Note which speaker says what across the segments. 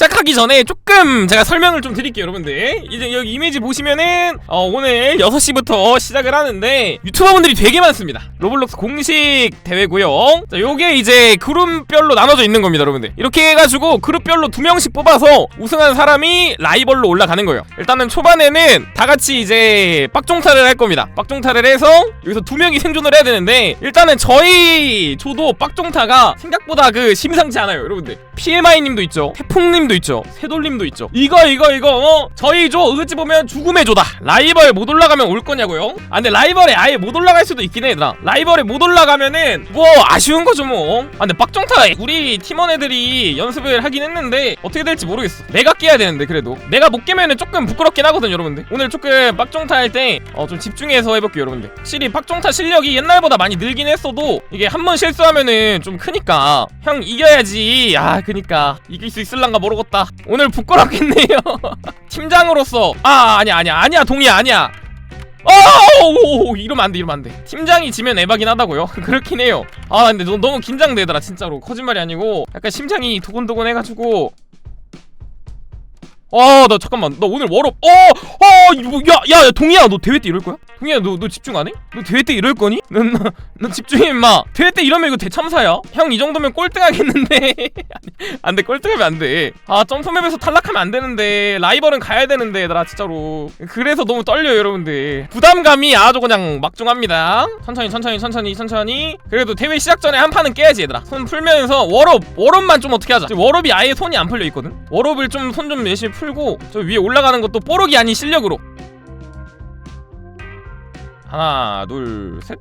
Speaker 1: 시작하기 전에 조금 제가 설명을 좀 드릴게요 여러분들. 이제 여기 이미지 보시면은 오늘 6시부터 시작을 하는데 유튜버분들이 되게 많습니다. 로블록스 공식 대회고요. 자, 요게 이제 그룹별로 나눠져 있는 겁니다 여러분들. 이렇게 해가지고 그룹별로 2명씩 뽑아서 우승한 사람이 라이벌로 올라가는 거예요. 일단은 초반에는 다같이 이제 빡종타를 할 겁니다. 빡종타를 해서 여기서 2명이 생존을 해야 되는데, 일단은 저희 조도 빡종타가 생각보다 심상치 않아요 여러분들. PMI님도 있죠, 태풍님도 있죠, 새돌님도 있죠. 이거 저희 조 어찌 보면 죽음의 조다. 라이벌 못 올라가면 올 거냐고요? 아 근데 라이벌에 아예 못 올라갈 수도 있긴 해 얘들아. 라이벌에 못 올라가면은 뭐 아쉬운 거죠 뭐. 아 근데 빡종타 우리 팀원 애들이 연습을 하긴 했는데 어떻게 될지 모르겠어. 내가 깨야 되는데 그래도 내가 못 깨면은 조금 부끄럽긴 하거든 여러분들. 오늘 조금 빡종타 할 때 좀 집중해서 해볼게요 여러분들. 확실히 빡종타 실력이 옛날보다 많이 늘긴 했어도 이게 한 번 실수하면은 좀 크니까 형 이겨야지. 그니까 이길 수 있을란가 모르겠다. 오늘 부끄럽겠네요. 팀장으로서 아니야 동의야 아니야. 이러면 안돼. 팀장이 지면 에바긴 하다고요? 그렇긴 해요. 근데 너무 긴장되더라 진짜로. 거짓말이 아니고 약간 심장이 두근두근 해가지고. 너 잠깐만, 너 오늘 워업. 야 동희야, 너 대회 때 이럴 거야? 동희야, 너 집중 안 해? 너 대회 때 이럴 거니? 넌 집중해 임마. 대회 때 이러면 이거 대참사야. 형 이 정도면 꼴등하겠는데. 안돼, 꼴등하면 안돼. 점프맵에서 탈락하면 안 되는데. 라이벌은 가야 되는데 얘들아 진짜로. 그래서 너무 떨려요 여러분들. 부담감이 아주 그냥 막중합니다. 천천히. 그래도 대회 시작 전에 한 판은 깨야지 얘들아. 손 풀면서 워업만 좀 어떻게 하자. 지금 워업이 아예 손이 안 풀려 있거든. 워업을 좀 손 좀 열심히 풀고 저 위에 올라가는 것도 뽀록이 아닌 실력으로. 하나 둘 셋.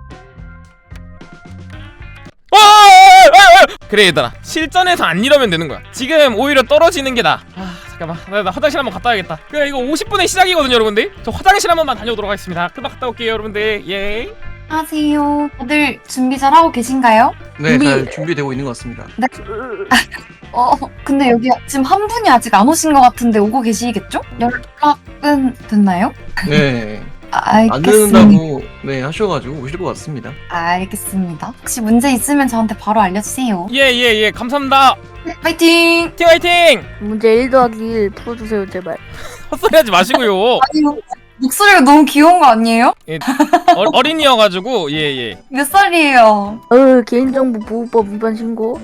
Speaker 1: 그래 얘들아, 실전에서 안 이러면 되는 거야. 지금 오히려 떨어지는 게 나아. 잠깐만, 나 화장실 한번 갔다 와야겠다. 그래, 이거 50분에 시작이거든요 여러분들. 저 화장실 한번만 다녀오도록 하겠습니다. 금방 갔다 올게요 여러분들. 예.
Speaker 2: 안녕하세요. 다들 준비 잘 하고 계신가요?
Speaker 3: 네, 잘 준비되고 있는 것 같습니다.
Speaker 2: 네. 근데 여기 지금 한 분이 아직 안 오신 것 같은데 오고 계시겠죠? 연락은 됐나요?
Speaker 3: 네. 안
Speaker 2: 알겠습니다.
Speaker 3: 늦는다고 하셔가지고 오실 것 같습니다.
Speaker 2: 알겠습니다. 혹시 문제 있으면 저한테 바로 알려주세요.
Speaker 1: 예, 감사합니다.
Speaker 2: 네, 파이팅!
Speaker 1: 화이팅!
Speaker 4: 문제 1 더하기 1 풀어주세요 제발.
Speaker 1: 헛소리 하지 마시고요.
Speaker 2: 아니, 목소리가 너무 귀여운 거 아니에요?
Speaker 1: 예, 어린이여가지고. 예.
Speaker 2: 몇 살이에요?
Speaker 4: 개인정보 보호법 위반 신고.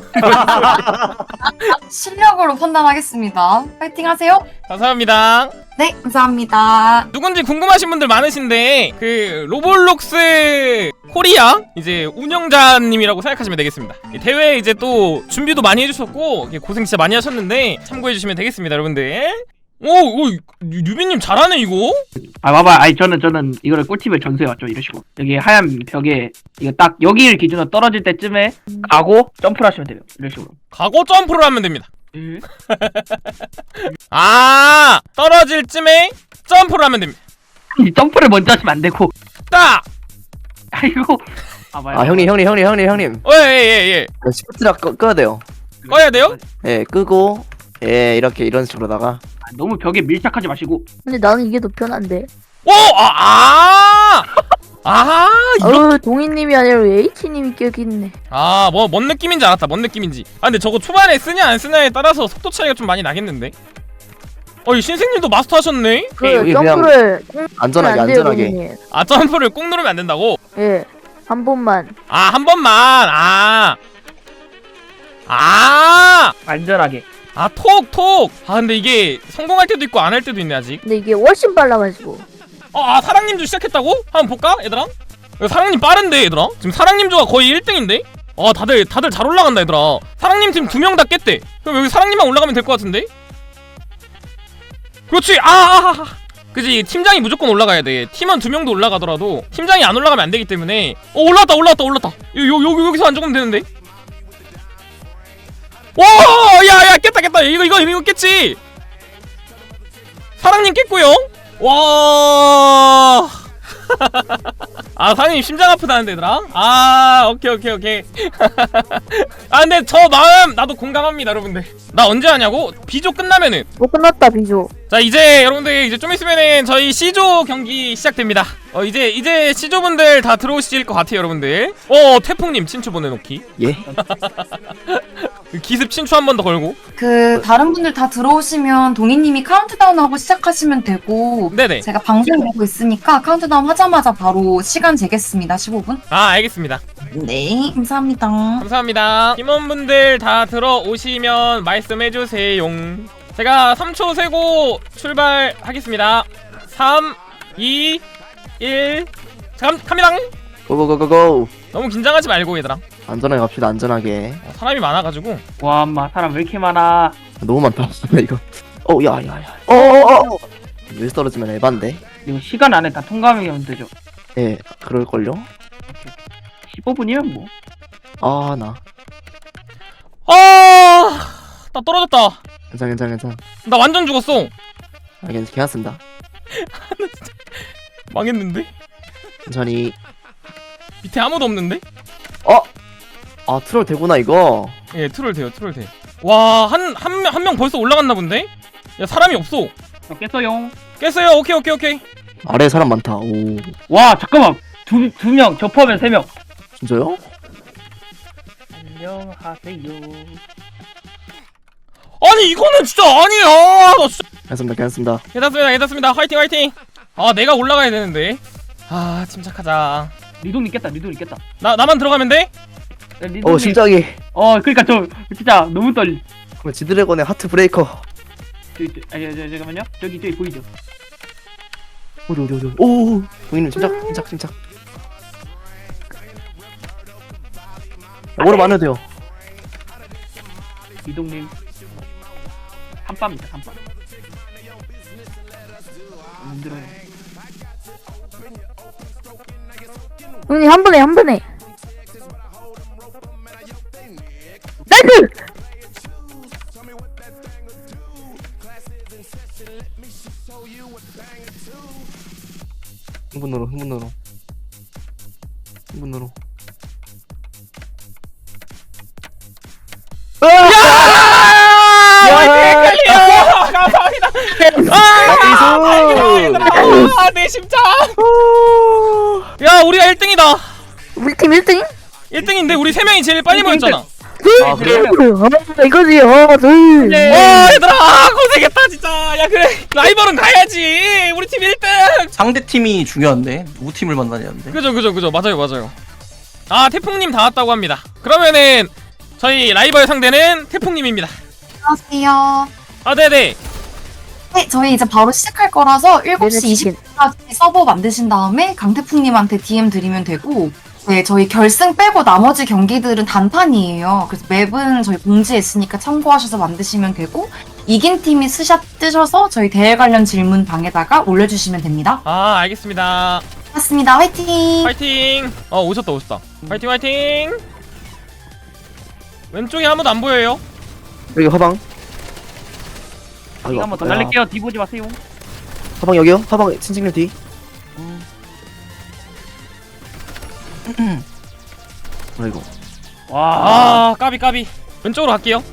Speaker 2: 실력으로 판단하겠습니다. 파이팅 하세요.
Speaker 1: 감사합니다.
Speaker 2: 네, 감사합니다.
Speaker 1: 누군지 궁금하신 분들 많으신데 그 로블록스 코리아 이제 운영자님이라고 생각하시면 되겠습니다. 이 대회 이제 또 준비도 많이 해주셨고 고생 진짜 많이 하셨는데 참고해주시면 되겠습니다 여러분들. 오 유빈님 잘하네 이거.
Speaker 5: 봐봐. 저는 이거를 꿀팁을 전수해 왔죠. 이러시고 여기 하얀 벽에 이거 딱 여기를 기준으로 떨어질 때쯤에 가고 점프를 하시면 돼요. 이런 식으로.
Speaker 1: 가고 점프를 하면 됩니다. 떨어질 쯤에 점프를 하면 됩니다.
Speaker 5: 점프를 먼저 하시면 안 되고.
Speaker 1: 딱!
Speaker 5: 아이고. 봐봐요.
Speaker 6: 형님.
Speaker 1: 예.
Speaker 6: 시프트를 꺼야 돼요.
Speaker 1: 꺼야 돼요?
Speaker 6: 예, 끄고 이렇게 이런 식으로다가.
Speaker 5: 너무 벽에 밀착하지 마시고.
Speaker 4: 근데 나는 이게 더 편한데.
Speaker 1: 이거.
Speaker 4: 동희님이 아니라 H님이 껴있네.
Speaker 1: 뭔 느낌인지 알았다. 뭔 느낌인지. 근데 저거 초반에 쓰냐 안 쓰냐에 따라서 속도 차이가 좀 많이 나겠는데? 이 신생님도 마스터 하셨네?
Speaker 6: 여기
Speaker 4: 점프를
Speaker 6: 안전하게.
Speaker 1: 점프를 꾹 누르면 안 된다고?
Speaker 4: 예, 한 번만.
Speaker 1: 한 번만.
Speaker 5: 안전하게.
Speaker 1: 톡. 근데 이게 성공할 때도 있고 안 할 때도 있네 아직.
Speaker 4: 근데 이게 훨씬 빨라가지고.
Speaker 1: 사랑님도 시작했다고? 한번 볼까 얘들아? 사랑님 빠른데 얘들아? 지금 사랑님조가 거의 1등인데? 다들 잘 올라간다 얘들아. 사랑님 팀 2명 다 깼대. 그럼 여기 사랑님만 올라가면 될 것 같은데? 그렇지. 그치, 팀장이 무조건 올라가야 돼. 팀원 2명도 올라가더라도 팀장이 안 올라가면 안 되기 때문에. 올랐다. 여기서 안 죽으면 되는데? 야 깼다. 이거 깼지. 사랑님 깼고요. 와. 사장님 심장 아프다는데 얘들아. 오케이. 근데 저 마음 나도 공감합니다 여러분들. 나 언제 하냐고? B조 끝나면은.
Speaker 4: 끝났다 B조.
Speaker 1: 자 이제 여러분들 이제 좀 있으면은 저희 C조 경기 시작됩니다. 이제 C조 분들 다 들어오실 것 같아요 여러분들. 태풍님 친추 보내놓기.
Speaker 6: 예.
Speaker 1: 그 기습 친추 한 번 더 걸고.
Speaker 2: 다른 분들 다 들어오시면 동희님이 카운트다운 하고 시작하시면 되고
Speaker 1: 네네.
Speaker 2: 제가 방송 보고 있으니까 카운트다운 하자마자 바로 시간 재겠습니다. 15분.
Speaker 1: 아 알겠습니다.
Speaker 2: 네, 감사합니다.
Speaker 1: 감사합니다. 팀원분들 다 들어오시면 말씀해주세요. 제가 3초 세고 출발하겠습니다. 3, 2, 1. 자, 갑니다.
Speaker 6: 고고고고고.
Speaker 1: 너무 긴장하지 말고 얘들아.
Speaker 6: 안전하게 갑시다. 안전하게.
Speaker 1: 사람이 많아가지고.
Speaker 5: 와 엄마 사람 왜 이렇게 많아.
Speaker 6: 너무 많다. 이거. 야야야. 어어어. 왜 떨어지면 에반데?
Speaker 5: 이거 시간 안에 다 통과하면 되죠.
Speaker 6: 예, 그럴걸요?
Speaker 5: 15분이면 뭐.
Speaker 6: 아, 나.
Speaker 1: 나 떨어졌다.
Speaker 6: 괜찮.
Speaker 1: 나 완전 죽었어.
Speaker 6: 아, 괜찮습니다.
Speaker 1: 망했는데?
Speaker 6: 천천히.
Speaker 1: 밑에 아무도 없는데?
Speaker 6: 아, 트롤 되구나, 이거.
Speaker 1: 예, 트롤 돼요, 트롤 돼. 와, 한 명 벌써 올라갔나 본데? 야, 사람이 없어.
Speaker 5: 깼어요.
Speaker 1: 깼어요. 오케이.
Speaker 6: 아래에 사람 많다. 오.
Speaker 5: 와 잠깐만 두 명 접하면 3명.
Speaker 6: 진짜요?
Speaker 5: 안녕하세요.
Speaker 1: 아니, 이거는 진짜 아니야. 나 진짜.
Speaker 6: 괜찮습니다.
Speaker 1: 괜찮습니다. 화이팅. 아, 내가 올라가야 되는데. 아, 침착하자.
Speaker 5: 리동님 깼다.
Speaker 1: 나만 들어가면 돼?
Speaker 5: 야, 리동님.
Speaker 6: 심장이.
Speaker 5: 그러니까 저 진짜 너무 떨리.
Speaker 6: 그럼 지드래곤의 하트 브레이커.
Speaker 5: 잠깐만요. 저기 보이죠?
Speaker 6: 어디. 오. 동희님, 침착. 오래 많아도 돼요.
Speaker 5: 리동님. 한밤입니다. 한밤. 힘들어요.
Speaker 4: 형님 한 번에 나이스.
Speaker 6: 흥분으로.
Speaker 1: 헷갈려. 감사합니다. 내 심장. 야, 우리가 1등이다.
Speaker 4: 우리 팀 1등?
Speaker 1: 1등인데 우리 3명이 제일 빨리 모였잖아.
Speaker 6: 아, 그래요?
Speaker 4: 이거지. 둘.
Speaker 1: 와, 얘들아, 고생했다 진짜. 야, 그래, 라이벌은 가야지. 우리 팀 1등.
Speaker 3: 상대 팀이 중요한데 누구 팀을 만나냐는데.
Speaker 1: 그죠. 맞아요. 아, 태풍님 다 왔다고 합니다. 그러면은 저희 라이벌 상대는 태풍님입니다.
Speaker 2: 안녕하세요.
Speaker 1: 아, 네네.
Speaker 2: 네, 저희 이제 바로 시작할 거라서 7시
Speaker 4: 치킨.
Speaker 2: 20분까지 서버 만드신 다음에 강태풍님한테 DM 드리면 되고, 네, 저희 결승 빼고 나머지 경기들은 단판이에요. 그래서 맵은 저희 공지에 있으니까 참고하셔서 만드시면 되고, 이긴 팀이 스샷 뜨셔서 저희 대회 관련 질문 방에다가 올려주시면 됩니다.
Speaker 1: 아, 알겠습니다.
Speaker 2: 고맙습니다. 화이팅!
Speaker 1: 파이팅. 오셨다. 파이팅. 왼쪽에 아무도 안 보여요.
Speaker 6: 여기 화방.
Speaker 5: 이거 한번 더 날릴게요. 뒤 보지 마세요.
Speaker 6: 화방 여기요? 화방 친칭님 뒤. 아이고.
Speaker 5: 와.
Speaker 1: 아, 까비. 왼쪽으로 갈게요.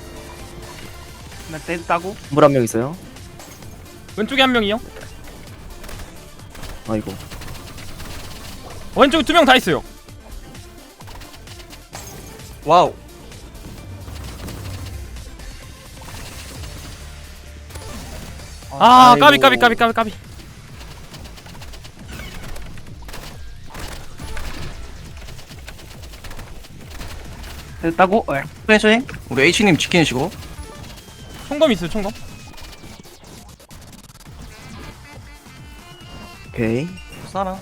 Speaker 5: 나 됐다고?
Speaker 6: 물 한 명 있어요.
Speaker 1: 왼쪽에 한 명이요.
Speaker 6: 아이고.
Speaker 1: 왼쪽에 2명 다 있어요.
Speaker 3: 와우.
Speaker 1: 아,
Speaker 6: 아이고.
Speaker 1: 까비.
Speaker 5: 됐다고?
Speaker 3: 프레저잉. 우리 H님 지키시고.
Speaker 1: 총검 있어요, 총검.
Speaker 6: 오케이.
Speaker 3: 싸나.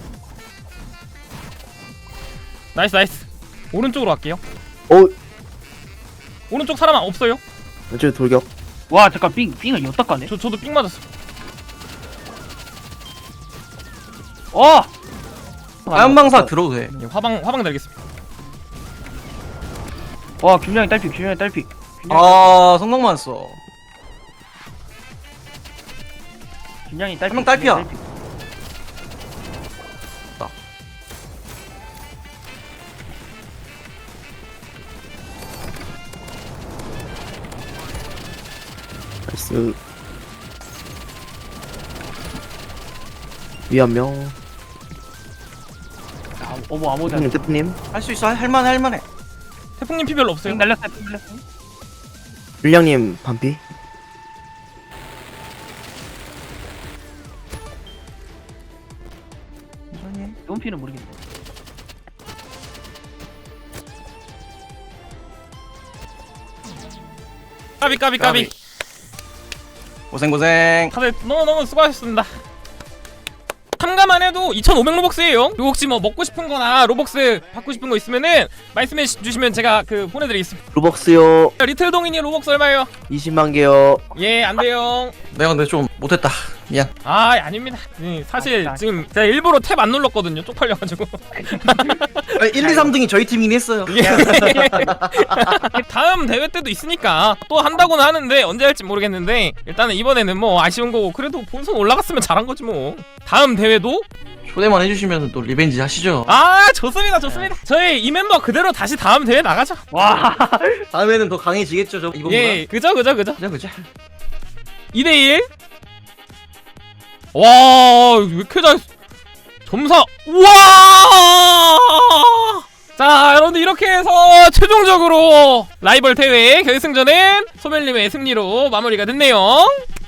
Speaker 1: 나이스. 오른쪽으로 갈게요.
Speaker 6: 오.
Speaker 1: 오른쪽 사람 없어요.
Speaker 6: 왼쪽에 돌격.
Speaker 5: 와 잠깐 삥을 여기다 까네.
Speaker 1: 저도 삥 맞았어.
Speaker 3: 화염방사 들어도 돼.
Speaker 1: 예, 화방 달겠습니다.
Speaker 5: 와 균형이 딸피.
Speaker 3: 성공만 써.
Speaker 5: 균형이 딸피.
Speaker 3: 한명 딸피야.
Speaker 6: 나이스. 위 한 명.
Speaker 5: 어머 아무도
Speaker 6: 태프님.
Speaker 3: 할 수 있어. 할만해.
Speaker 1: 태풍님 피 별로 없어요.
Speaker 5: 삥 날렸어.
Speaker 6: 물량님 반피.
Speaker 5: 용피는 모르겠네.
Speaker 1: 까비.
Speaker 3: 고생.
Speaker 1: 다들 너무 수고하셨습니다. 참가만 해도 2,500 로벅스예요. 그리고 혹시 뭐 먹고 싶은 거나 로벅스 받고 싶은 거 있으면은 말씀해 주시면 제가 그 보내드리겠습니다.
Speaker 6: 로벅스요.
Speaker 1: 리틀 동인이 로벅스 얼마예요?
Speaker 6: 20만 개요.
Speaker 1: 예, 안 돼요.
Speaker 3: 내가 근데 좀 못했다. 미안.
Speaker 1: 아, 아닙니다. 사실 지금 제가 일부러 탭 안 눌렀거든요. 쪽팔려가지고.
Speaker 3: 1, 2, 3등이 저희 팀이긴 했어요.
Speaker 1: 다음 대회 때도 있으니까 또 한다고는 하는데 언제 할지 모르겠는데 일단은 이번에는 뭐 아쉬운 거고 그래도 본선 올라갔으면 잘한 거지 뭐. 다음 대회도
Speaker 3: 초대만 해주시면 또 리벤지 하시죠.
Speaker 1: 좋습니다. 저희 이 멤버 그대로 다시 다음 대회 나가죠.
Speaker 5: 와.
Speaker 3: 다음에는 더 강해지겠죠, 저 이번보다.
Speaker 1: 예, 그죠.
Speaker 3: 그죠.
Speaker 1: 2대1. 와, 왜 이렇게 잘 점사. 우와! 자, 여러분들 이렇게 해서 최종적으로 라이벌 대회 결승전은 소멸님의 승리로 마무리가 됐네요.